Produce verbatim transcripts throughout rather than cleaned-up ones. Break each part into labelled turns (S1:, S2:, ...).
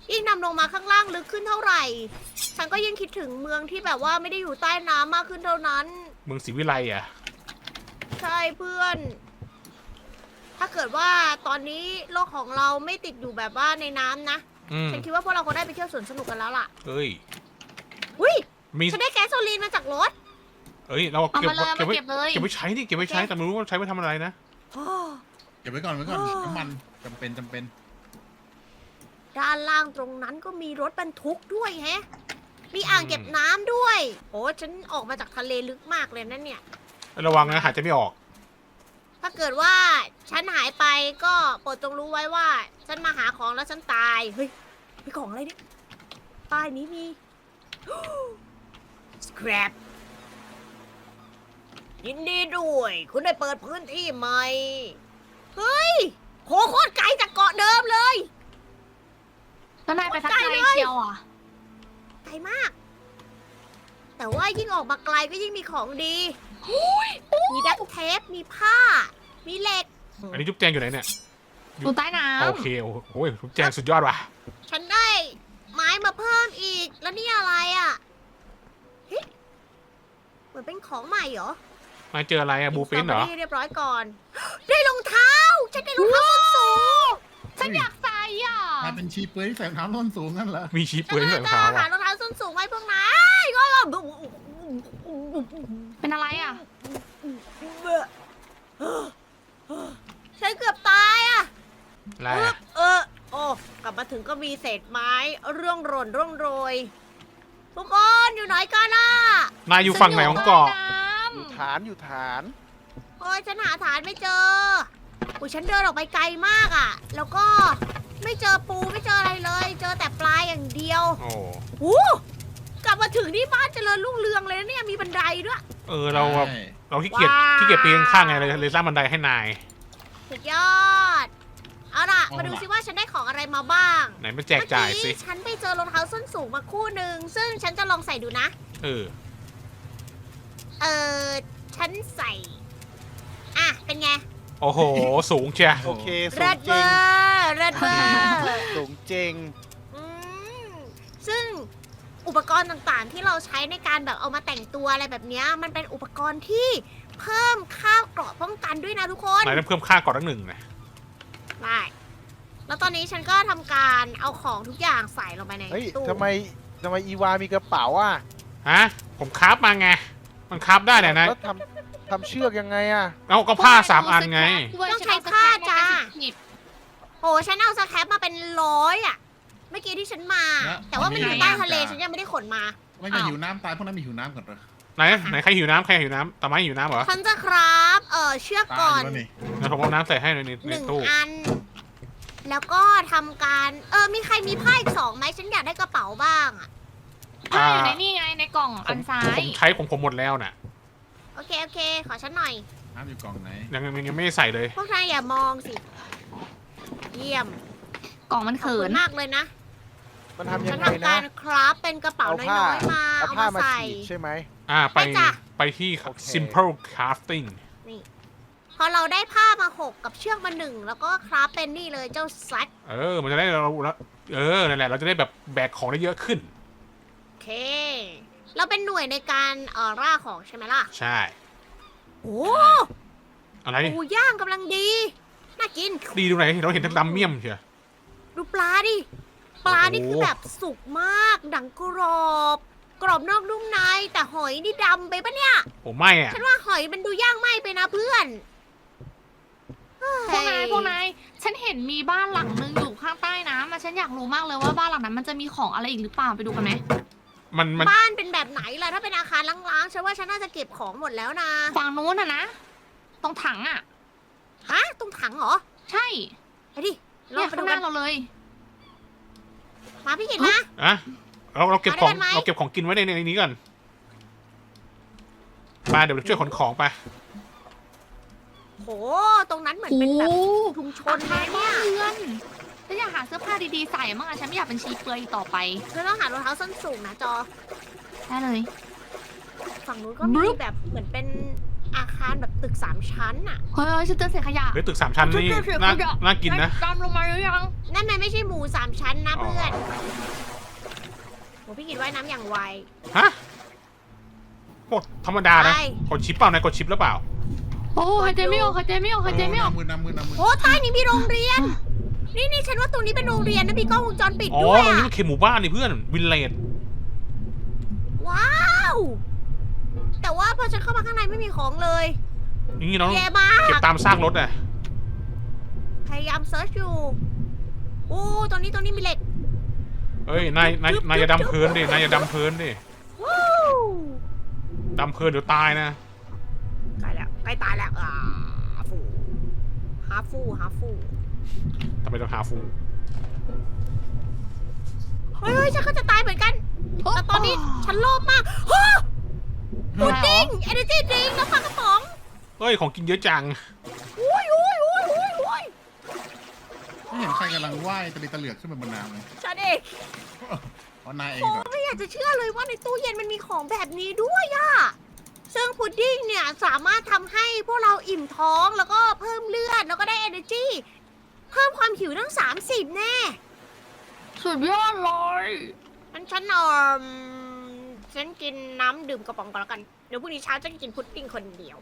S1: ยิ่งนำลงมาข้างล่างลึกขึ้นเท่าไหร่ ฉันก็ยิ่งคิดถึงเมืองที่แบบว่าไม่ได้อยู่ใต้น้ำมากขึ้นเท่านั้น
S2: เมืองศรีวิไลอ่ะ
S1: ใช่เพื่อน ถ้าเกิดว่าตอนนี้โลกของเราไม่ติดอยู่แบบว่าในน้ำนะ
S2: อืม
S1: ฉันคิดว่าพวกเราคงได้ไปเที่ยวสวนสนุกกันแล้วล่ะ
S2: เอ้ย
S1: อุ้ย
S2: มี
S1: ฉันได้แก๊สโซลีนมาจากรถ
S2: เอ้ย เรา
S3: เอา
S2: เก็บ
S3: มาเลยเอา
S2: เก็บ
S3: มา
S2: ไว้
S3: เก็บเลย
S2: เก็บไว้ใช้นี่เก็บไว้ใช้ แต่ไม่รู้ว่าใช้ไว้ทำอะไรนะ
S4: เก็บไว้ก่อนไว้ก่อนน้ำมันจำเป็นจำเป็น
S1: ด้านล่างตรงนั้นก็มีรถบรรทุกด้วยแฮะ มีอ่างเก็บน้ำด้วย โอ้ฉันออกมาจากทะเลลึกมากเลยนั่นเนี่ย
S2: ระวังนะหายใจไม่ออก
S1: ถ้าเกิดว่าฉันหายไปก็โปรดจงรู้ไว้ว่า ฉันมาหาของแล้วฉันตาย เฮ้ยมีของอะไรเนี่ยใต้นี้มี scrap ยินดีด้วย คุณได้เปิดพื้นที่ใหม่ เฮ้ยโหโคตรไกลจากเกาะเดิมเลย
S3: แล้วนายไปทักทายเชียวอ่ะ
S1: ไกลมาก แต่ว่ายิ่งออกมาไกลก็ยิ่งมีของดี มีดักเทป มีผ้า มีเหล็ก
S2: อันนี้จุ๊บแจงอยู่ไหนเนี่ย
S3: อยู่ใต้น้ำ
S2: โอเค โอ้โหจุ๊บแจงสุดยอดว่ะ
S1: ฉันได้ไม้มาเพิ่มอีก แล้วนี่อะไรอ่ะเฮ้ยเหมือนเป็นของใหม่เหรอ
S2: มาเจออะไรอะบูฟินเหรอ
S1: สตบรี่เรียบร้อยก่อน ได้รองเท้า ฉันได้รองเท้าส้นสูง
S3: ฉันอยากใส่อ่ะ
S4: กลายเป็นชีเปลือยที่ใส่รองเท้าส้นสูงนั่นเหรอ
S2: มีชีพ
S1: ฉั
S2: เปลือย
S1: น
S2: ใส่
S1: น่าร
S2: อง
S1: จะ
S2: เท้า
S1: หา
S2: อะ
S1: รองเท้าส้นสูงไว้พวกนายก็
S3: เป็นอะไรอ่ะ
S1: ฉันเกือบตายอ่ะ
S2: อะไร
S1: เออ
S2: อะ
S1: เออ โอ้ กลับมาถึงก็มีเศษไม้ร่วงหล่นร่วงโรย ทุกคนอยู่ไหนกันล่ะ
S2: นายอยู่ฝั่งไหนของเกาะ
S5: อยู่ฐานอยู่ฐาน
S1: โอ้ยฉันหาฐานไม่เจออุ้ยฉันเดินออกไปไกลมากอ่ะ แล้วก็ไม่เจอปูไม่เจออะไรเลย เจอแต่ปลาอย่างเดียว
S2: โอ้
S1: โอ้กลับมาถึงที่บ้านเจริญรุ่งเรืองเลยนะเนี่ย มีบันไดด้วย
S2: เออ เราแบบ
S4: ใช่
S2: เราขี้เกียจ
S1: ว้าว
S2: ขี้เกียจปีนข้างไงเลยเลยสร้างบันไดให้นาย
S1: สุดยอด เอาล่ะ มาดูซิว่าฉันได้ของอะไรมาบ้าง
S2: ไหนมาแจกจ่ายสิ
S1: เมื่อกี้ฉันไปเจอรองเท้าส้นสูงมาคู่หนึ่ง ซึ่งฉันจะลองใส่ดูนะ
S2: เออ
S1: เออฉันใส่ อ่ะ เป็นไง
S2: โอ้โห สูงเชีย
S5: โอเคสู
S1: เริ
S5: ง
S1: ด
S5: จ
S1: เบ
S5: ริ
S1: อง ร์เริดเบอร์
S5: สูงจริง
S1: อืมซึ่งอุปกรณ์ต่างๆ ที่เราใช้ในการแบบเอามาแต่งตัวอะไรแบบเนี้ยมันเป็นอุปกรณ์ที่เพิ่มค่าเกราะป้องกันด้วยนะทุกคน
S2: นายต้องเพิ่มค่าก่อนตั้งหนึ่งนะ
S1: ได้แล้วตอนนี้ฉันก็ทำการเอาของทุกอย่างใส่ลงไปใน
S5: เฮ้ย
S1: ตู้
S5: ทำไมทำไมอีวามีกระเป๋าอ่ะ
S2: ฮะ ผมคราฟมาไง มันคราฟได้เนี่ยนะ
S5: แล้วทำทำเชือกยังไงอ่ะ
S2: เอาก็ผ้าสามอันไง
S1: ต้องใช้ผ้าจ้าโอ้ฉันเอาสแครปมาเป็นร้อยอ่ะเมื่อกี้ที่ฉันมา แต่ว่ามันอยู่ใต้ทะเลฉันยังไม่ได้ขนมา
S4: ไม่จะหิวน้ำตายพวกนั้นมีหิวน้ำก่อนเหรอ
S2: ไหน ไหนใครหิวน้ำใครหิวน้ำตาไม้หิวน้ำเหรอ
S1: ฉันจะครับเออเชือก
S4: ตาย
S1: ก่อ
S4: อน ยู่แล้วนี่
S2: เดี๋ยวผมเอาน้ำใส่ให้ในใน
S1: ห
S2: ใน
S1: นึ่ง
S2: ตู้
S1: อัน แล้วก็ทำการ เออ มีใครมีผ้าอีกสองไหมฉันอยากได้กระเป๋าบ้างอะ
S3: ผ้าอยู่ในนี่ไงในกล่องอันซ้า
S2: ผ
S3: ย
S2: มใช้ของผมหมดแล้วน่ะ
S1: โอเค โอเค ขอฉันหน่อย
S4: น้ำอยู่กล่องไหน
S2: ยังยังยังไม่ได้ใส่เลย
S1: พวกนายอย่ามองสิ เยี่ยม
S3: กล่องมัน
S1: ขอบ
S3: เขิ
S1: คุ
S3: น
S1: ณมากเลยนะ
S5: มันทำยั
S1: ฉัน
S5: งไง
S1: ทำ
S5: นะ
S1: การคราฟเป็นกระเป๋า
S5: เอา
S1: น้
S5: ผ้า
S1: อยๆมา
S5: เอา
S1: เอา
S5: ผ้า
S1: มา
S5: มา
S1: ใส่
S5: ฉีดใช่ไหม
S2: อ่า ไป
S1: ไปจ้ะ
S2: ไปที่
S5: โอเค
S2: simple crafting
S1: พอเราได้ผ้ามาหกกับเชือกมาหนึ่งแล้วก็คราฟเป็นนี่เลยเจ้าแซก
S2: เออ มันจะได้เราแล้วเออ นั่นแหละ เราจะได้แบบแบกของได้เยอะขึ้น
S1: โอเค เราเป็นหน่วยในการเอ่อล่าของใช่ไหมล่ะ
S2: ใช่
S1: โอ้
S2: อะไร
S1: หมูย่างกำลังดี น่ากิน
S2: ดีตรงไหน เราเห็นทั้งดำเมี่ยมเชียว
S1: ดูปลาดิ ปลานี่คือแบบสุกมาก ดังกรอบ กรอบนอกนุ่มใน แต่หอยนี่ดำไปปะเนี่ย
S2: ผมไม่อ่ะ
S1: ฉันว่าหอยมันดูย่างไหม้ไปนะเพื่อน
S3: พวกนายพวกนายฉันเห็นมีบ้านหลังนึงอยู่ข้างใต้น้ำอะฉันอยากรู้มากเลยว่าบ้านหลังนั้นมันจะมีของอะไรอีกหรือเปล่าไปดูกันไหม
S2: มันมัน
S1: บ้านเป็นแบบไหนล่ะ ถ้าเป็นอาคารล้างๆ ฉันว่าฉันน่าจะเก็บของหมดแล้วนะ
S3: ฝั่งนู้นอะนะตรงถังอะ
S1: ฮะ ตรงถังเหรอ
S3: ใช่
S1: ไปดิลอ
S3: เนี่
S1: ง
S3: ย
S1: ไป
S3: ข้า
S1: ดู
S3: งห
S1: กั
S3: น้าน เราเลย
S1: มาพี่เห็นนะ
S2: อะเราเราเก็บของ
S1: มาด้วยกันไหม
S2: เราเก็บของกินไว้ในในนี้ก่อนมาเดี๋ยวเราช่วยขนของไป
S1: โห ตรงนั้นเหมือน
S3: โอ้
S1: เป็นแบบ
S3: โห
S1: ชุมช
S3: คน น
S1: เลย
S3: บ้า
S1: เนี่ย
S3: นเรือนฉันอยากหาเสื้อผ้าดีๆใส่มั่งอะฉันไม่อยากเป็นชีเปลือยอีกต่อไป
S1: เธอต้องหารองเท้าส้นสูงนะจอ
S3: ได้เลย
S1: ฝั่งนู้นก็
S3: บรึ
S1: มี
S3: บ
S1: แบบเหมือนเป็นอาคารแบบตึกสามชั้นอะ
S3: เฮ้ยฉันเจอเศษขยะ
S2: เฮ้ยตึกสามชั้นนี่
S3: เจอเศษข
S2: น่าย
S3: ะ
S2: น่ากินนะ
S3: ตามลงมาหรือยัง
S1: นั่นมันไม่ใช่หมูสามชั้นนะ
S2: อ๋อ
S1: เพื่อนโหพี่กิดว่ายน้ำอย่างไว
S2: ฮะกดธรรมดานะ
S1: ไป
S2: กดชิปเปล่านายกดชิปหรือเปล่า
S3: โอ้หายใจไม่ออกหายใจไม่ออกหายใจไม่ออก
S4: น้ำมือน้ำมือน้ำมือ
S1: โอ้ใต้นี้มีโรงเรียน นี่นี่ฉันว่าตรงนี้เป็นโรงเรียนนะมีกล้องวงจรปิด
S2: อ๋อ
S1: ด้วย
S2: ตรงนี้
S1: อะ
S2: มันเขตหมู่บ้านนี่เพื่อนวินเลจ
S1: ว้าว แต่ว่าพอฉันเข้ามาข้างในไม่มีของเลย
S2: นี่น้อง
S1: แย่มา
S2: เก็บ
S1: ก
S2: ตามซากรถอ่ะ
S1: พยายามเซิร์ชอยู่โอ้ตรงนี้ตรงนี้มีเหล็ก
S2: เฮ้ยนายนายนายอย่าดำเพลินดินายอย่าดำเพลินดิ
S1: วู้
S2: ดำเพลินเดี๋ยวตายนะ
S1: ใกล้แล้วใกล้ตายแล้วอ่าฟูฮาฟูฮาฟู
S2: ทำไมต้องหาฟู
S1: เฮ้ยเฮ้ยฉันก็จะตายเหมือนกัน แต่ตอนนี้ฉันโลภมากฮะพุดดิ้งเอเนจีดริงน้ำปลากระป๋อง
S2: เฮ้ยของกินเยอะจัง
S1: อุ้ยอุ้ยอุ้ยอุ้ยอุ้ย
S4: ไม่เห็นใครกำลังว่ายตะลิตะเหลือกขึ้นไปบนน้ำเลย
S1: ฉันเอง
S4: เพราะนายเอง
S1: โอ้
S4: เหรอ
S1: ไม่อยากจะเชื่อเลยว่าในตู้เย็นมันมีของแบบนี้ด้วยอะซึ่งพุดดิ้งเนี่ยสามารถทำให้พวกเราอิ่มท้องแล้วก็เพิ่มเลือดแล้วก็ได้ energy เพิ่มความหิวทั้งสามสิบแน่
S3: สุดยอดเลย
S1: งั้นฉันเออฉันกินน้ำดื่มกระป๋องก่อนแล้วกัน เดี๋ยวพรุ่งนี้เช้าจะกินพุดดิ้งคนเดียว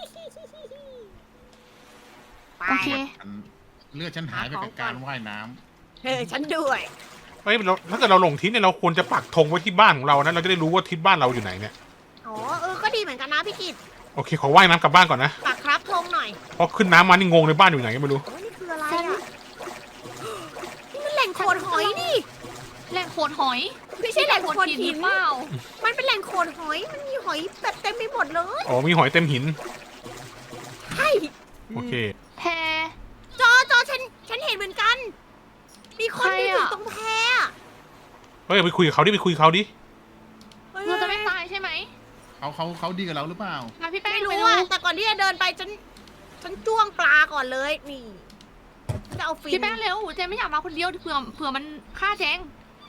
S1: ไป
S3: โอเค
S4: อันเลือดฉันหายไปกับการว่ายน้
S1: เออฉันด้วย
S2: เฮ้ยเราถ้าเกิดเราหลงทิศเนี่ยเราควรจะปักธงไว้ที่บ้านของเรานะเราจะได้รู้ว่าทิศบ้านเราอยู่ไหนเนี่ย
S1: อ๋อเออก็ดีเหมือนกันนะพี่กิต
S2: โอเคขอว่ายน้ำกลับบ้านก่อนนะ
S1: ฝากครับธงหน่อย
S2: เพราะขึ้นน้ำมานี่งงในบ้านอยู่ไหนก็ไม่รู้
S1: โอ้ยนี่คืออะไรอ่ะ นี่มันแหล่งโขดหอยนี่
S3: แหล่งโขดหอย
S1: ไม่ใช่แหล่งโขด
S3: ห
S1: หิ
S3: รื
S1: น
S3: อเปล่า
S1: มันเป็นแหล่งโขดหอย มันมีหอยแบบเต็มไปหมดเลย
S2: อ๋อมีหอยเต็มหิน
S1: ใช่
S2: โอเค
S3: แพ
S1: จอจอฉันฉันเห็นเหมือนกัน มีคน
S3: ใคร
S1: ยืน
S3: อะ
S1: อยู่ตรงแพอะ
S2: เฮ้ยไปคุยกับเขาดิไปคุยกับเขาดิ
S1: ฮ้ย
S3: เราจะไม่ตายใช่ไหม
S4: ำเขาเขาเขาดีกับเราหรือเปล่า
S3: มาพี่แป้ง
S1: ไม่
S3: ไป
S1: รู้
S3: ดู
S1: อะแต่ก่อนที่จะเดินไปฉัน ฉันจ้วงปลาก่อนเลย นี่จะเอาฟิน
S3: พี่แป้งเร็วเจนไม่อยากมาคนเดียวเผื่อเผื่อมันฆ่าแจง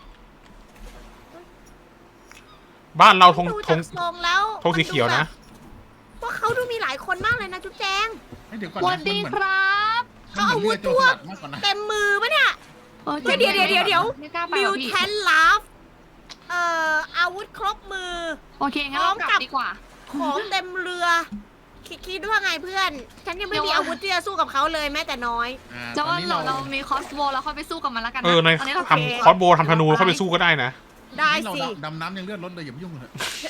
S2: บ้านเราธง
S1: ดู
S2: ธ
S1: จาง กทรงแล้ว
S2: ธงสีเขียวนะ
S1: ว่าเขาดูมีหลายคนมากเลยนะจุ๊บแจง
S4: เฮ้ยเดี๋ยวก่อน
S3: ส
S4: นะ
S3: วัสดีครับ
S4: มันเหมือนมันเหมือนเลือดโจรสลัดมากกว่านะ
S1: เต็มมือปะเนี่ย
S3: ออ
S1: เฮ้ยเดี๋ยวเดี๋ยวเดี๋ยวเดี๋ยว
S3: ไม่กล้าไป
S1: มิ
S3: หร
S1: ว
S3: อกพี่
S1: แทนลาฟเอ่ออาวุธครบมือ
S3: โอเคงั้นเรากลับดีกว่า
S1: ของเต็มเรือ คิดคิดว่าไงเพื่อน ฉันยังไม่มี
S3: เดี๋ยว
S1: อาวุธที่จะสู้กับเขาเลยแม้แต่น้อย
S4: อ่า
S3: จะ
S4: ตอ
S3: ว่าน
S4: นี้
S3: เรา
S4: เรา
S3: เรามีคอสโบแล้วค่อยไปสู้กับมันแล้วกันนะ
S2: เออใน
S3: ตอนนี้เรา
S2: ทำคอสโบทำธนูเข้าไปสู้ก็ได้นะ
S1: ได้
S4: นี่เรา
S1: สิ
S4: ดำน้ำยังเลือดลดเลยอย่าไปยุ่งเลย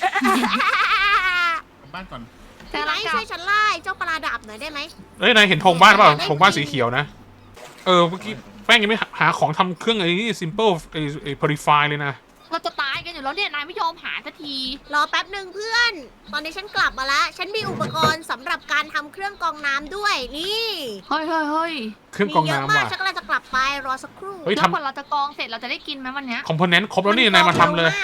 S4: กลับบ้านก่อน
S3: แต่
S1: พี่
S3: เรา
S1: ไม้
S3: กลั
S1: ช่
S3: บ
S1: วยฉันไล่เจ้าปลาดาบหน่อยได้ไหม
S2: เอ้ยนายเห็นธงบ้านเปล่าธงบ้านสีเขียวนะ เออเมื่อกี้แป้งยังไม่หาของทำเครื่องไอ้นี่ simple ไอ้ไอ้ purify เลยนะ
S3: เราจะตายกันอยู่แล้วเนี่ยนายไม่ยอมหาสักที
S1: รอแป๊บหนึ่งเพื่อน ตอนนี้ฉันกลับมาแล้ว ฉันมีอุปกรณ์สำหรับการทำเครื่องกรองน้ำด้วย นี่
S3: เฮ้ยเฮ้ยเฮ้ย
S2: เครื่องกรอง
S1: มีเยอะ
S2: น้ำ
S1: มาก
S2: ว่ะ
S1: ฉันกำลังจะกลับไปรอสักครู่
S2: เฮ้ย
S3: แล้ว
S2: ทำ
S3: กว่าเราจะกรองเสร็จเราจะได้กินไหมวันเนี้ย
S2: คอมโพเนนต์ครบแล้วนี่นายมาทำเลย
S1: กรองร็วมาก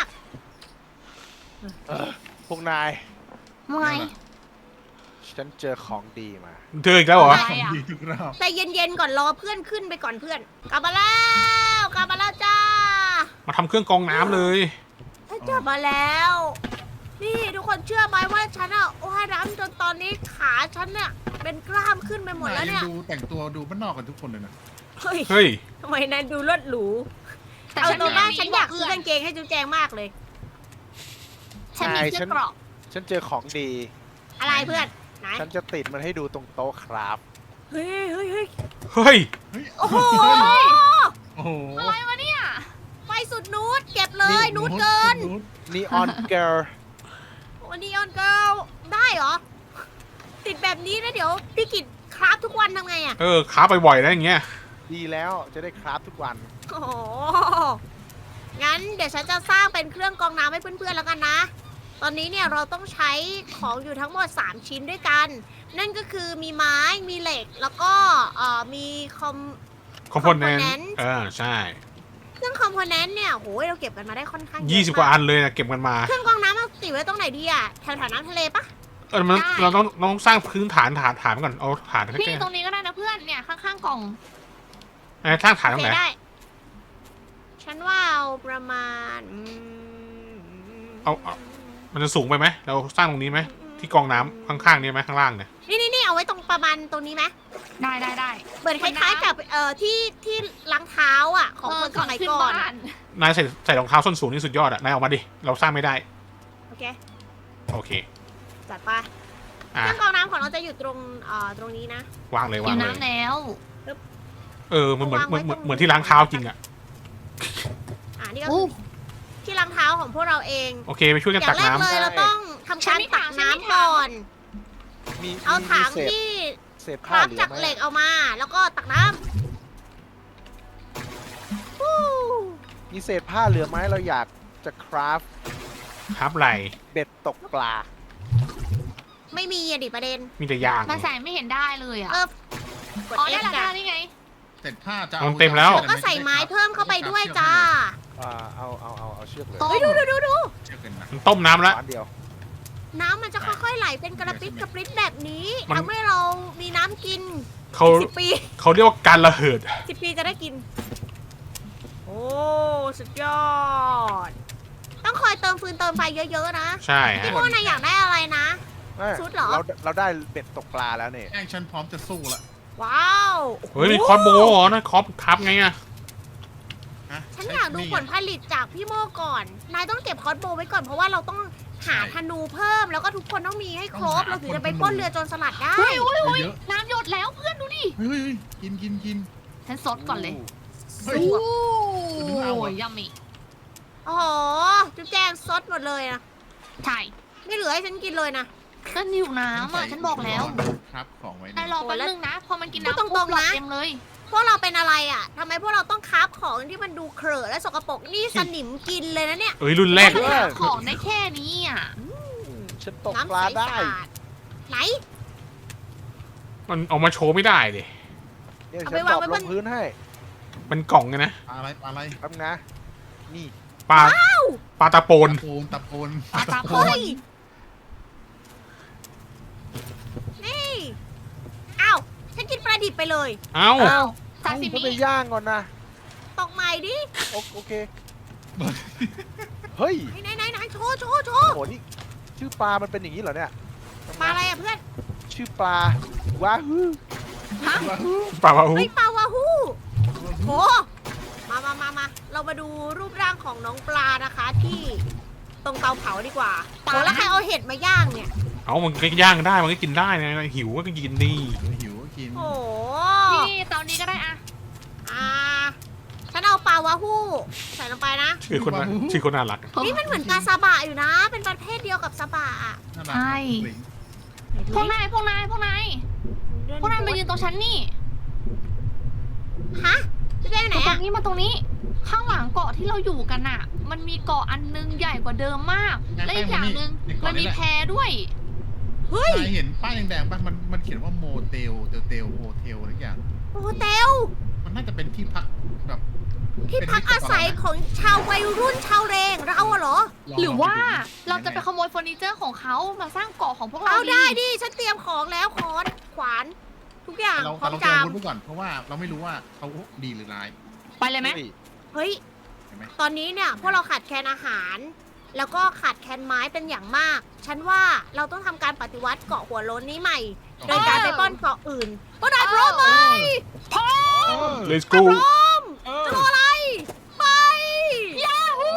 S5: พวกนาย
S3: ว่าไง
S5: ฉันเจอของดีมา
S2: เจออีกแล้วเหรอ
S3: ใช่อะ
S4: ดีทุกรอบ
S1: ใจเย็นๆก่อนรอเพื่อนขึ้นไปก่อนเพื่อน กลับมาแล้วกลับมาแล้วจ้า
S2: มาทำเครื่องกรองน้ำเลย
S1: ฉันกลับมาแล้ว นี่ทุกคนเชื่อไหมว่าฉันอะว่ายน้ำจนตอนนี้ขาฉันเนี่ยเป็นกล้ามขึ้นไปหมดแล้ว
S4: นาย
S1: เนี่ย
S4: งดูแต่งตัวดูบ้านนอกกันทุกคนเลยนะ
S1: เฮ้ย
S2: เฮ้ย
S1: ทำไมนายดูเลิศหรู
S3: แต่
S1: เอา
S3: ฉัน
S1: ตัว
S3: มี
S1: บ้านฉันอยาก
S3: เพื่
S1: ซื้อกางเกงให้จุ๊บแจงมากเลย
S3: ฉันมี
S5: ใช่
S3: เสื้
S5: ฉั
S3: อน เกราะ
S5: ฉันเจอของดี
S1: อะไรเพื่อน ไหน
S5: ฉันจะติดมันให้ดูตรงโต๊ะครับ
S1: เฮ้ยเฮ้ยเฮ้ย
S2: เฮ้ย
S4: เฮ้ย
S1: โอ้โห
S4: โอ้โห
S3: อะไรวะเนี่ย
S1: ไฟสุดนูดเก็บเลยนูดเกิน
S4: นูด
S5: นีออนเกิร์ล
S1: วันนี้ออนเกิลได้เหรอ ติดแบบนี้นะเดี๋ยวพี่กิจคราฟทุกวันทำไงอะ
S2: เออค้าไปบ่อยนะอย่างเงี้ย
S5: ดีแล้วจะได้คราฟทุกวัน
S1: โอ้โห งั้นเดี๋ยวฉันจะสร้างเป็นเครื่องกรองน้ำให้เพื่อนๆแล้วกันนะ ตอนนี้เนี่ยเราต้องใช้ของอยู่ทั้งหมดสามชิ้นด้วยกัน นั่นก็คือมีไม้ มีเหล็ก แล้วก็เอ่อมีคอม
S2: คอมโพเนนต์
S1: component
S2: เออใช่
S1: เครื่องคอมโพเนนต์เนี่ยโหยเราเก็บกันมาได้ค่อนข้างเยอะ
S2: ยี่สิบกว่าอันเลยนะเก็บกันมา
S1: เครื่องกรองน้ำเราติดไว้ตรงไหนดีอะแถวๆน้ำทะเลปะ
S2: เออมัน
S1: ได้
S2: เราต้องเราต้องสร้างพื้นฐานฐานฐานก่อนเอาฐานแค่
S3: พี่ตรงนี้ก็ได้นะเพื่อนเนี่ยข้างๆกล่อง
S2: ไอ้สร้างฐานต
S1: โอ
S2: รง
S1: เค
S2: ไหน
S1: ได้ ฉันว่าเอาประมาณอืม
S2: เอาเอามันจะสูงไปไหมเราสร้างตรงนี้ไหม
S1: อืม
S2: ที่กองน้ำข้างๆนี่ไหมข้างล่างเนี่ย
S1: นี่นี่นี่เอาไว้ตรงประมาณตรงนี้ไหม
S3: ได้ได้ได้
S1: เหมือนคล้ายๆกับเอ่อที่ที่ล้างเท้าอ่ะของคนสมัย
S3: ขึ้น
S1: ก่อน
S3: บ้าน
S2: นายใส่ใส่รองเท้าส้นสูงนี่สุดยอดอะนายออกมาดิเราสร้างไม่ได้
S1: โอเค
S2: โอเค
S1: จัดไป
S2: อ่ะ
S1: เครื่องกรองน้ำของเราจะอยู่ตรงเอ่อตรงนี้นะ
S2: วางเลย
S3: อ
S2: วาง
S3: ยู่
S2: เลย
S3: น้ำแล้ว
S2: เออมันเหมือน
S1: เอา
S2: เหมื
S1: วา
S2: อน
S1: งไว้
S2: เหมือน
S1: ตรง
S2: เหมือนที่ล้างเท้าจริงอะ
S1: อ่านี่ก็คือที่ล้างเท้าของพวกเราเอง
S2: โอเคไปช่วยกัน
S1: อย่า
S2: ตั
S1: ง
S2: ก
S1: แรก
S2: น้ำ
S1: เลยเราต้องทำการตักน้ำก่อน
S5: มี
S1: เอา
S5: มี
S1: ถัง
S5: เศษ
S1: ที่
S5: เศษ
S1: ค
S5: ผ้า
S1: ราฟ
S5: เหลือ
S1: จาก
S5: ไหม
S1: เหล็กเอามา แล้วก็ตักน้ำฟู้
S5: มีเศษผ้าเหลือไหมเราอยากจะคราฟ
S2: ครับไหล
S5: เบ็ดตกปลา
S1: ไม่มีอะดิประเด็น
S2: มีแต่ยาง
S3: มาใส่ไม่เห็นได้เลยอ่ะ
S1: เออ
S3: อ๋อได้ละได้ละนี่ไง
S4: เสร็จผ้าจะ
S2: มันเต็มแล้ว
S1: ก็ใส่ไม้เพิ่มเข้าไปด้วยจ้า
S5: อ่าเอาเอาเอาเอาเชือกเลย
S3: ต้ม
S1: เฮ้ยดูดูดูดู
S4: เชือกกันนะ
S2: มันต้มน้ำแล้ว
S5: ร้านเดียว
S1: น้ำมันจะค่อยๆไหลเป็นกระปิดกระปริดแบบนี้
S2: มัน
S1: ทำให้เรามีน้ำกิน
S2: เขา
S1: สิบปี
S2: เขาเรียกว่าการระเหิด
S1: สิบปีจะได้กิน โอ้สุดยอด ต้องคอยเติมฟืนเติมไฟเยอะๆนะ
S2: ใช่ฮะ
S1: พี่โมนายอยากได้อะไรนะ
S5: เอ้ย
S1: ชุดเหรอ
S5: เราเราได้เบ็ดตกปลาแล้วเนี่ย
S4: แองฉันพร้อมจะสู้ละ
S1: ว้าว
S2: เฮ้ยมีคอร์สโบว์เหรอนะคอร์สครับไงอะ
S4: ฮะ
S1: ฉันอยากดูผลผลิตจากพี่โมก่อน นายต้องเก็บคอสโบว์ไว้ก่อนเพราะว่าเราต้องหาธนูเพิ่ม แล้วก็ทุกคนต้องมีให้ครบ เราถึงจะไปปล้นเรือโจรสลัดได้
S3: เฮ้ยเฮ้ยเฮ้ย
S4: เยอะ
S3: น้ำหยดแล้วเพื่อนดูดิ
S4: เฮ้ยเฮ้ยเฮ้ยกินกินกิน
S3: ฉันซดก่อนเลย
S4: เฮ้ย
S3: โอ้
S4: ดูเอาอะ
S3: ยยัมมี่
S1: โอ้โห จุ๊บแจงซดหมดเลยนะ
S3: ใช่
S1: ไม่เหลือให้ฉันกินเลยนะ
S3: ก็นิวน้ำอ่ะฉันบอกแล้ว
S4: ครับของไว้
S3: นาย
S4: เนี่ย
S3: รอแป๊บนึงนะ พอมันกิน
S1: พูด
S3: น้ำ
S1: ตรงๆ
S3: ปุ๊บหลอด
S1: นะ
S3: เต็มเลย
S1: พวกเราเป็นอะไรอ่ะทำไมพวกเราต้องคราฟของที่มันดูเครอะและสกปรกนี่สนิมกินเลยนะเนี่ย
S2: เอ้ยรุ่นแรก
S3: ฉันหาของได้แค่นี้อ่ะ
S5: ฉันตก
S1: น้ำ
S5: ปลา
S1: ใส
S5: ได้
S1: สะอาดไหน
S2: มันเอามาโชว์ไม่ได้ดิ
S5: เดี๋ยว
S1: เอา
S5: ฉั
S1: ไป
S5: น
S1: วา
S5: ต
S1: ง
S5: อบ
S1: ไว้
S5: ล
S1: บ
S5: ง
S1: น
S5: พื้นให้
S2: เป็นกล่องไงนะ
S4: ปลาอะไรปลาอะไร
S5: แป๊บนะนี่
S2: ปลาปลาตะโปน
S4: ตะโพนตะโพน
S3: ปลาตะโพ
S1: เฮ้ย นี่อ้าวฉันกินปลาดิบไปเลย
S2: เอ้า
S3: อ้าวซา
S5: เอ้า
S3: ซิ
S5: ฉัน
S3: มิ
S5: ไปย่างก่อนนะ
S1: ตกใหม่ดิ
S5: โอโอเค เฮ้ย
S1: ไหนไหนไหนโชว์โชว์โชว์
S5: โหนี่ชื่อปลามันเป็นอย่างนี้เหรอเนี่ย
S1: ปลาอะไรอ่ะเพื่อน
S5: ชื่อปลาว้าฮือ
S3: ฮะ
S2: ปลาวาฮู
S1: เฮ้ยปลาวาฮู้โหมามามามาเรามาดูรูปร่างของน้องปลานะคะที่ตรงเตาเผาดีกว่าโหแล้วใครเอาเห็ดมาย่างเนี่ย
S2: เอามันก็ย่างได้มันก็กินได้นะหิวก็กินดี
S4: หิวก็กิน
S1: โอ้โห
S3: นี่ตอนนี้ก็ได้อะ
S1: อ่าฉันเอาปลาวาฮู้ใส่ลงไปนะ
S2: ชื่อคนน่าชื่อคนน่ารัก
S1: นี่มันเหมือนปลาซาบะอยู่นะ เป็นประเภทเดียวกับซาบะอะ
S4: น่ารัก
S3: ใช่ พวกนาย พวกนาย พวกนาย พวกนายมายืนตรงฉันนี่
S1: ฮะจะได้ไหน
S3: มาตร
S1: อะ
S3: งนี้มาตรงนี้ ข้างหลังเกาะที่เราอยู่กันอะมันมีเกาะอันนึงใหญ่กว่าเดิมมาก และอีกอย่างหนึ่งมันมีแพด้วย
S1: เฮ้ย
S4: นายเห็นป้ายแดงๆป่ะมันมันเขียนว่าโมเตลเตลเตลโฮเทลอะไรอย่าง
S1: โฮเทล
S4: มันน่าจะเป็นที่พักแบบ
S1: ที่พักอาศัยของชาววัยรุ่นชาวเรงเราอะเหรอ
S3: หรือว่าเราจะไปขโมยเฟอร์นิเจอร์ของเขามาสร้างเกาะของพวกเรา
S1: เอาได้ดิ ฉันเตรียมของแล้วค้อนขวาน ทุกอย่าง
S4: เรา
S1: พร้อม
S4: เราเตรีย
S1: จาม ม
S4: อาวุธไว้ก่อนเพราะว่าเราไม่รู้ว่าเขาดีหรือร้าย
S3: ไปเลยไหม
S1: เฮ้ย
S4: เห็นไหม
S1: ตอนนี้เนี่ยพวกเราขาดแคลนอาหาร แล้วก็ขาดแคลนไม้เป็นอย่างมาก ฉันว่าเราต้องทำการปฏิวัติเกาะหัวโล้นนี้ใหม่ โดยการไปป้อนเกาะอื่นพวกนายพร้อมไหม
S4: เออ
S2: let's
S1: ถ้า
S2: go
S1: พร้อม
S4: เออ
S1: จะรออะไร ไป
S3: ยาฮู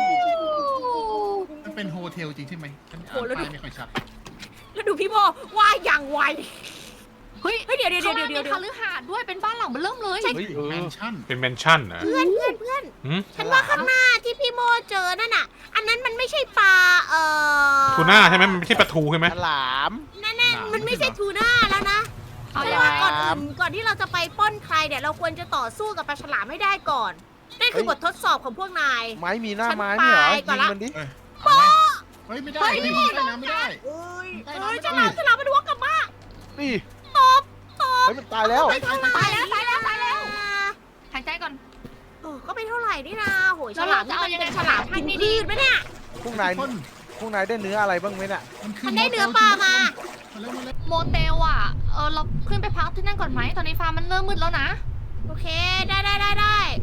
S4: มันเป็นโฮเทลจริงใช่ไหมฉันอ่านป้ายไม่ค่อยชัด
S1: แล้วดูพี่โบว่าอย่างไว
S3: เฮ้ย
S1: เฮ้ยเดี๋ยวเดี๋ยว
S3: เขา
S1: เดี๋ยว
S3: มี
S1: เดี๋ยวเดี๋ยว
S3: คฤหาสน์ด้วยเป็นบ้านหลังเบอเริ่มเลย
S5: เฮ้ยเอ
S4: แม
S5: อน
S4: ชั่น
S2: เป็นแมนชั่นนะ
S1: เพื่อนเพื่อนเพื่อน
S2: หืม
S1: ฉันว่าข้างหน้าที่พี่โมเจอนั่นน่ะ อันนั้นมันไม่ใช่ปลาเอ่อ
S2: ทูน่าใช่ไหมมันไม่ใช่ปลาทูใช่ไหม
S5: ฉลาม
S1: นั่นๆมันไม่ใช่ทูน่าแล้วนะ
S3: เอา
S1: เพ
S3: ยั
S1: ราะ
S3: ง
S1: ว่า
S3: ไง
S1: ก่อนอื่นก่อนที่เราจะไปปล้นใครเนี่ยเราควรจะต่อสู้กับปลาฉลามให้ได้ก่อน นั่นคือบททดสอบของพวกนาย
S5: ไม้มีหน้าไม้ไม่เหรอ
S1: ฉันไปก่
S5: ยิ
S1: อน
S5: ง
S1: ละ
S5: มันดิ
S4: เอ้ยเอาไหมเฮ้ยไม่ได้ไม่ได้ไม่ได้ไม่ได้
S1: เอ้ย
S4: ได้
S1: เอ้ย
S4: ได้
S1: ฉลามฉลามมันวกกลับมา
S5: นี่
S1: ตบตบ
S5: เฮ้ยมันตายแล้ว
S1: ไปเท่าไหร่
S3: ตายแล้วตายแล้วตายแล้วหายใจก่อน
S1: เออก็ไปเท่าไหร่นี่นะโหย
S3: แล้
S1: ฉ
S3: ว
S1: ลา
S3: เรา
S1: ม
S3: จะเอายังไง
S1: ฉลามกินพืชไหมเนี่ย
S5: พวกนาย
S4: คน
S5: พวกนายได้เนื้ออะไรบ้างไหมเนี่ย
S4: มันคือ
S1: มันได้เนื้อปลามา
S4: มาแล้วมาแล้ว
S3: โมเตลอ่ะ เออเราขึ้นไปพักที่นั่นก่อนไหม ตอนนี้ฟ้ามันเริ่มมืดแล้วนะ
S1: โอเคได้ได้ได้ได้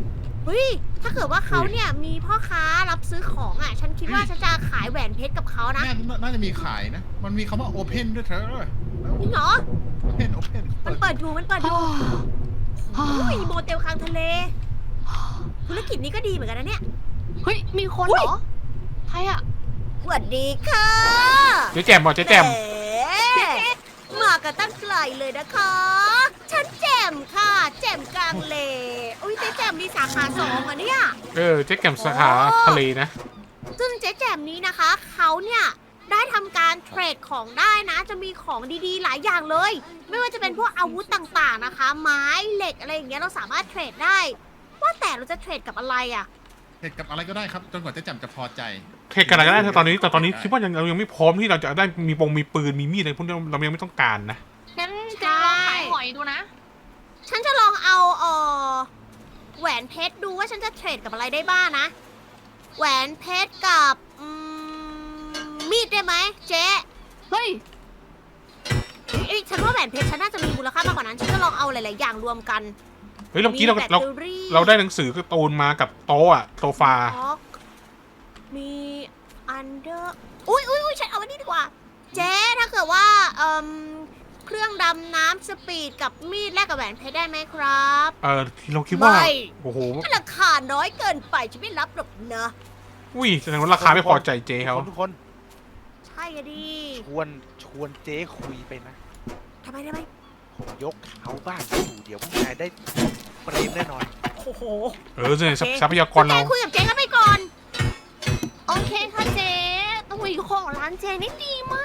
S1: เฮ้ย ถ้าเกิดว่าเขาเนี่ยมีพ่อค้ารับซื้อของอ่ะ ฉันคิดว่าฉันจะขายแหวนเพชรกับเขานะ
S4: น่าน่าจะมีขายนะ มันมีคำว่า open ด้วยเธอ
S1: จริงเหรอ
S4: open open
S1: มันเปิดอยู่มันเปิดอยู่อุ้ยโมเตลกลางทะเล ธุรกิจนี้ก็ดีเหมือนกันนะเนี่ย
S3: เฮ้ย มีคน
S1: อุ๊
S3: เห
S1: ย
S3: รอ ใครอะ
S1: สวัสดีค่ะ
S2: เจ๊แจมบอกเจ๊แจม
S1: แหมากันตั้งไกลเลยนะคะ ฉันแจมค่ะ แจมกลางเลอุ้ยเจ๊แจมมีสาขาสองอ่ะเนี่ย
S2: เออเจ๊แจมสาขาทะเลนะ
S1: ซึ่งเจ๊แจมนี้นะคะ เขาเนี่ยได้ทำการเทรดของได้นะ จะมีของดีๆ หลายอย่างเลย ไม่ว่าจะเป็นพวกอาวุธต่างๆนะคะ ไม้เหล็กอะไรอย่างเงี้ยเราสามารถเทรดได้ ว่าแต่เราจะเทรดกับอะไรอ่ะ
S4: เหตุกับอะไรก็ได้ครับ จนกว่าเจะจำจะพอใจ
S2: เทคกันอะไรก็ได้ตอนนี้แต่ตอนนี้คิดว่ายังเรายังไม่พร้อมที่เราจะได้มีปงมีปืนมีมีดอะไรพวกนี้เรายังไม่ต้องการนะ
S3: งั้นเจะลองขายหอยดูนะ
S1: ฉันจะลองเอาเออแหวนเพชรดูว่าฉันจะเทรดกับอะไรได้บ้างนะ แหวนเพชรกับอืมมีดได้ไหมเจ๊
S3: เฮ้ย
S1: เอ้ยเอ้ยฉันว่าแหวนเพชรฉันน่าจะมีมูลค่ามากกว่านั้น ฉันจะลองเอาหลาย ๆ อย่างรวมกัน
S2: เฮ้ยเราเมื่อกี้เรา
S1: แบต
S2: เรา
S1: เตอรี่
S2: เราได้หนังสือการ์ตูนมากับโต๊ะอะโซฟา
S1: ท็อกมีอันเดอร์อุ้ยอุ้ยอุ้ยฉันเอาอันนี้ดีกว่า เจ๊ถ้าเกิดว่าเอ่มเครื่องดำน้ำสปีดกับมีดแลกกับแหวนเพชรได้ไหมครับ
S2: เออเราคิดว่า
S1: ไม่
S2: โอ้โห
S1: ราคาน้อยเกินไปฉันไม่รับหรอกนะ
S2: อุ้ยแสดงว่าราคาไม่พอใจเจ๊เขา
S5: ทุกคน
S1: ใช่อะดิ
S5: ชวนชวนเจ๊คุยไปนะ
S1: ทำไมทำไม
S5: ผมยกเขาบ้านอยู่เดี๋ยวพวกนายได้เปรมแน่นอน
S1: โอ้โห
S2: เออเนี่ยทรัพยากร
S1: แก
S2: เรา
S1: คุยกับเจ๊กันไปก่อน
S3: โอเคค่ะเจ๊อุ้ยของร้านเจ๊นี่ดีมาก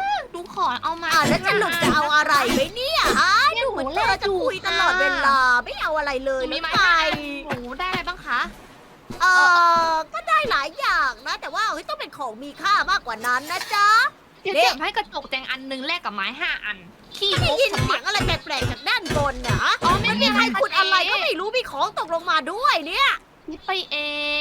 S3: ดูขอเอามา
S1: อ่าแล้วจะหลุดจะเอาอะไรไหมเนี่ยฮะดูเหมือนเราจะคุยตลอดเวลาไม่เอาอะไรเลย
S3: มี
S1: นะ
S3: ไหม
S1: ไง
S3: โอ้โหได้อะไรบ้างคะ
S1: เออก็ได้หลายอย่างนะ แต่ว่าเฮ้ยต้องเป็นของมีค่ามากกว่านั้นนะจ๊ะ
S3: เดี๋ยว
S1: เด็ก
S3: เก็บให้กระจกแจงอันหนึงแลกกับไม้ห้าอัน ขี้
S1: ได้
S3: งก
S1: ยิน
S3: ชะ
S1: เสี
S3: มั
S1: ย
S3: ด
S1: งอะไรแปลกๆจากด้านบนเนี่ยฮะ
S3: อ๋อไม่
S1: มัน
S3: มี
S1: มีใครขุดอะไร
S3: เจ๊
S1: ก็ไม่รู้มีของตกลงมาด้วยเนี่ย
S3: คิดไปเอง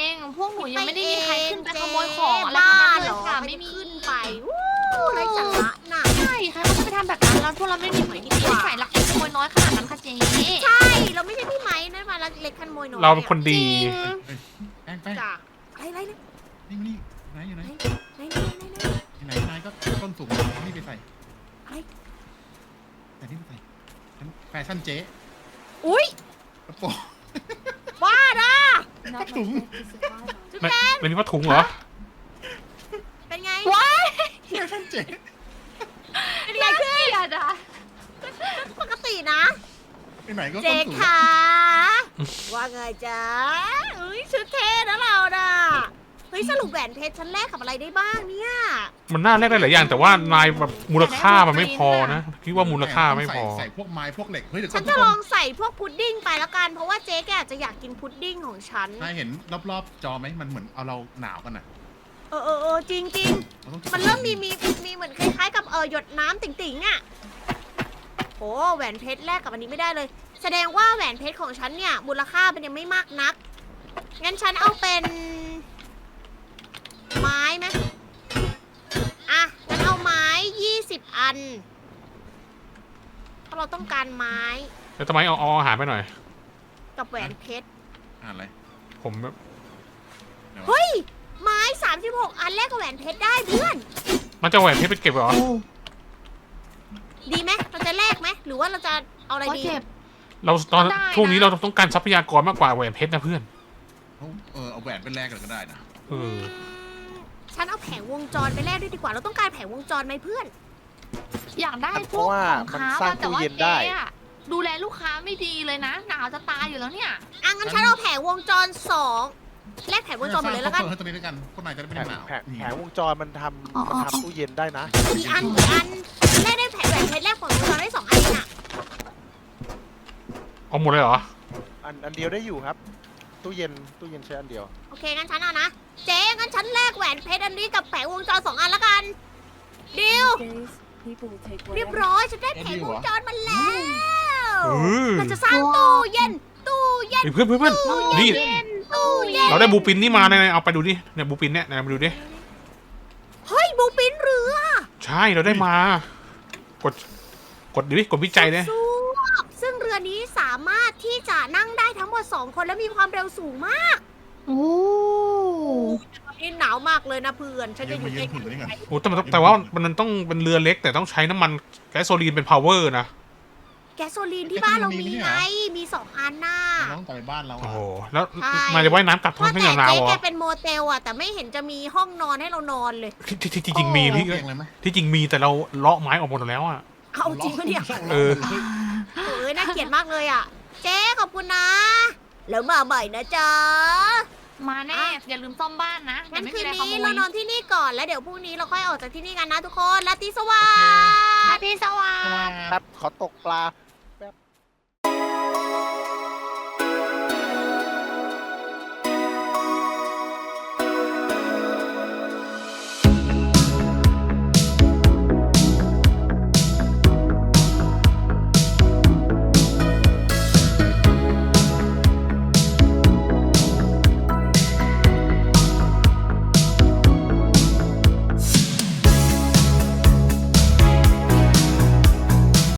S3: พวกหนูยังไม่ได้มีใครขึ้นไป
S1: เจ๊
S3: ขโมยของอะไร
S1: บ้า
S3: ทั้งนั้น
S1: เห
S3: เล
S1: ร
S3: ย
S1: อ
S3: ค่ะ
S1: ไม่
S3: ไม่มี
S1: ขึ้นไปวู้ไรสาระน่ะ
S3: ใช่ใครเขาจะไปทำแบบนั้นแล้วพวกเราไม่มีหน่วยที่ดีใส่ลักเล็กขโมยน้อยขนาดนั้นค่ะเจ๊
S1: ใช่ เราไม่ใช่พี่ไม้นะมาเล็กขโมยน้อย
S2: เราเป็นคน
S3: จ
S2: ดี
S3: ริง
S4: แป้งแป้ง
S1: จ้ะอะไรอะไรนะ
S4: นี่นี่ไหนอยู่ไหน
S1: ไหนไหนไหนไหนไหน
S4: ที่ไหนนายก็ต้นสูงนี่ไปใส่
S1: อะไร
S4: แต่นี่ไปใส่ฉันแฟชั่นเจ๊
S1: อุ้ย
S4: กระโปรง
S1: บ้านะ
S4: ถุง
S1: จุ๊บ
S2: ไม่
S1: แจง
S2: ไม่นี่ว่าถุงเหรอ
S1: เป็นไง
S3: ว้าย
S4: แฟชั่นเจ๊
S1: เป็นไงขึ้น
S3: เกลียดอ่ะ
S1: ปกตินะ
S4: ที่ไหนก็
S1: เจ๊
S4: ต้นสูง
S1: ขาว่าไงจ๊ะอุ้ยชุดเท่นะเราน่ะเฮ้ยสรุปแหวนเพชรฉันแลกกับอะไรได้บ้างเนี่ย
S2: มันน่าแลกได้หลายอย่าง แต่ว่านายแบบมูลค่ามันไม่พอนะคิดว่ามูลค่าไม่พอ
S4: ใส่ใส่พวกไม้พวกเหล็กเฮ้ยเดี๋ยวก่
S1: ฉั
S4: อน
S1: น
S4: ทุ
S1: จะ
S4: กค
S1: ลอน งใส่พวกพุดดิ้งไปแล้วกัน เพราะว่าเจ๊แกอาจจะอยากกินพุดดิ้งของฉัน
S4: นายเห็นรอบๆจอไหมมันเหมือนเอาเราหนาวกันน่ะ
S1: เออเออเออจริงจริง
S4: เราต้อง
S1: ๆมันเริ่มมีมีมีเหมือนคล้ายๆกับเออหยดน้ำติ่งๆอ่ะโอ้แหวนเพชรแลกกับอันนี้ไม่ได้เลย แสดงว่าแหวนเพชรของฉันเนี่ยมูลค่ามันยังไม่มากนัก งั้นฉันเอาเป็น ไม้ไหมอ่ะงั้นเอาไม้ยี่สิบอันเพราะเราต้องการไม้
S2: แล้วทำไมเอาเอาอาหารไปหน่อย
S1: กับแหวนเพชร
S4: อ่านอะไร
S2: ผมแบบ
S1: เฮ้ย ไม้สามสิบหกอันแลกกับแหวนเพชรได้เพื่อน
S2: มันจะแหวนเพชรไปเก็บเหรอ
S1: ดีไหมเราจะแลกไหมหรือว่าเราจะเอาอะไร
S3: ก็
S1: ดี
S3: เก็บ
S2: เราตอน
S3: ก็ได้นะ
S2: ช่วงนี้เราต้องการทรัพยากรมากกว่าแหวนเพชรนะเพื่อน
S4: เอาเออเอาแหวนเป็นแรกกันก็ได้นะ
S2: เออ
S1: ฉันเอาแผงวงจรไปแลกด้วยดีกว่า เราต้องการแผงวงจรไหมเพื่อน
S3: อยากได้พ
S5: เพ
S3: วก
S5: ราะว่า
S3: ของ
S5: มัน
S3: ค้า
S5: สร้าง
S3: แต่
S5: ตู้
S3: ว่า
S5: เย็น
S3: เจ๊
S5: ได้
S3: อะดูแลลูกค้าไม่ดีเลยนะ หนาวจะตายอยู่แล้วเนี่ย
S1: อ่ะงั้นฉันเอาแผงวงจรสองแลกแผงวงจรหมดเลยแล้วกัน
S4: เพิ่มตัวนี้แล้วกันพวกนายจะได้ไม่
S5: แผ
S4: ได้
S5: ง
S4: หนาว
S5: แผง
S4: นี่
S5: แผงวงจรมันท
S3: อ๋อ
S5: ำมันทำตู้เย็นได้นะ
S1: กี่อันกี่อันแลกได้แผงแหวนเพชรแลกแผงวงจรได้สองอันเองอะ
S2: เอาหมดเลยเหรอ
S5: อันอันเดียวได้อยู่ครับ ตู้เย็นตู้เย็นใช้อันเดียว
S1: โอเคงั้นฉันเอานะ เจ๊งั้นฉันแลกแหวนเพชรอันนี้กับแผงวงจรสองอันแล้วกันดิวเรียบร้อยฉันได้แผงวงจรมาแล้ว
S2: เออ
S1: เราจะสร้างตู้เย็น ตู้เย็น
S2: เฮ้ยเพื่อนเพื่อนเพื่อนนี่
S1: ตู้เย็น
S2: เราได้บูปินนี่มาเนี่ยเอาไปดูดิเนี่ยบูปินเนี่ยไหนมาดูดิ
S1: เฮ้ยบูปินเรือ
S2: ใช่เราได้มา กด กดดิกดวิจัยเลย
S1: สู้ซึ่งเรือรือนี้สามารถที่จะนั่งได้ทั้งหมดสองคนและมีความเร็วสูงมาก
S3: โอ้
S1: นี่หนาวมากเลยนะเพื่อน ฉันจะอยู่
S4: ยื
S1: ใก
S4: นถึงนี่ก่อน
S1: ล้
S2: โอ้แต่มันแต่ว่ามันต้องเป็นเรือเล็กแต่ต้องใช้น้ำมันแก๊สโซลีนเป็น power นะ
S1: ๆแก๊สโซลีนที่บ้านเรามีไง มีสองอันน่ะ
S4: เราต้องไปบ้านเรา
S2: โอ้
S4: อะ
S2: โหแล้ว
S1: ใช่
S2: มาจะว่ายน้ำกลับท้อง
S1: ว่า
S2: ที่
S1: แต่
S2: หนาว
S1: เจ๊
S2: ๆเหร
S1: แก
S2: อ
S1: เป็นโมเตลอะแต่ไม่เห็นจะมีห้องนอนให้เรานอนเลย
S2: ที่ที่ที่ที่จริงมีพี่
S4: เตียงเลยไหม
S2: ที่จริงมีแต่เราเลาะไม้ออกหมดแล้วอ่ะ
S1: เอาจริงปะเนี่ย
S2: เออ
S1: เอ้ยน่าเกลียดมากเลยอ่ะ เจ๊ขอบคุณนะ แล้วมาใหม่นะจ๊ะ
S3: มาแน่
S1: อ่ะ
S3: อย่าลืมซ่อมบ้านนะเดี๋
S1: งั้
S3: ย
S1: น
S3: วไม่
S1: คื
S3: มี
S1: น
S3: อะไรข
S1: นี้
S3: โม
S1: เรา
S3: ย
S1: นอนที่นี่ก่อนแล้วเดี๋ยวพรุ่งนี้เราค่อยออกจากที่นี่กันนะทุกคนราตรีสวัส
S3: อา
S1: ดิ์
S3: ทิตย์สวัสดิ์
S5: ครับขอตกปลา